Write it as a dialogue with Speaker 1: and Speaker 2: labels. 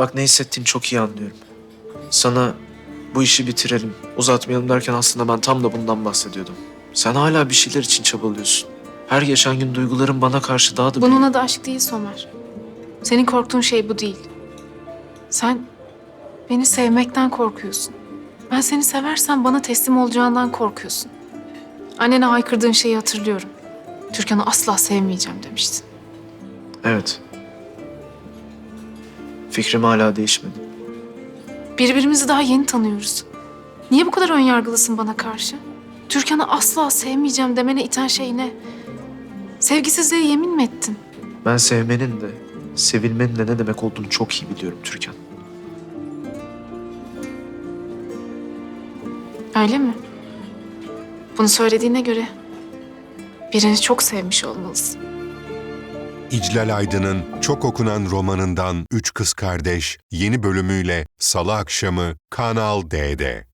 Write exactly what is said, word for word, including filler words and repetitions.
Speaker 1: Bak ne hissettiğini çok iyi anlıyorum. Sana bu işi bitirelim, uzatmayalım derken aslında ben tam da bundan bahsediyordum. Sen hala bir şeyler için çabalıyorsun. Her geçen gün duyguların bana karşı daha da
Speaker 2: Bunun
Speaker 1: büyüyor.
Speaker 2: adı aşk değil Somer. Senin korktuğun şey bu değil. Sen beni sevmekten korkuyorsun. Ben seni seversem bana teslim olacağından korkuyorsun. Annene haykırdığın şeyi hatırlıyorum. Türkan'ı asla sevmeyeceğim demiştin.
Speaker 1: Evet. Fikrim hala değişmedi.
Speaker 2: Birbirimizi daha yeni tanıyoruz. Niye bu kadar önyargılısın bana karşı? Türkan'ı asla sevmeyeceğim demene iten şey ne? Sevgisizliğe yemin mi ettin?
Speaker 1: Ben sevmenin de, sevilmenin de ne demek olduğunu çok iyi biliyorum Türkan.
Speaker 2: Öyle mi? Bunu söylediğine göre birini çok sevmiş olmalısın.
Speaker 3: İclal Aydın'ın çok okunan romanından Üç Kız Kardeş yeni bölümüyle Salı akşamı Kanal D'de.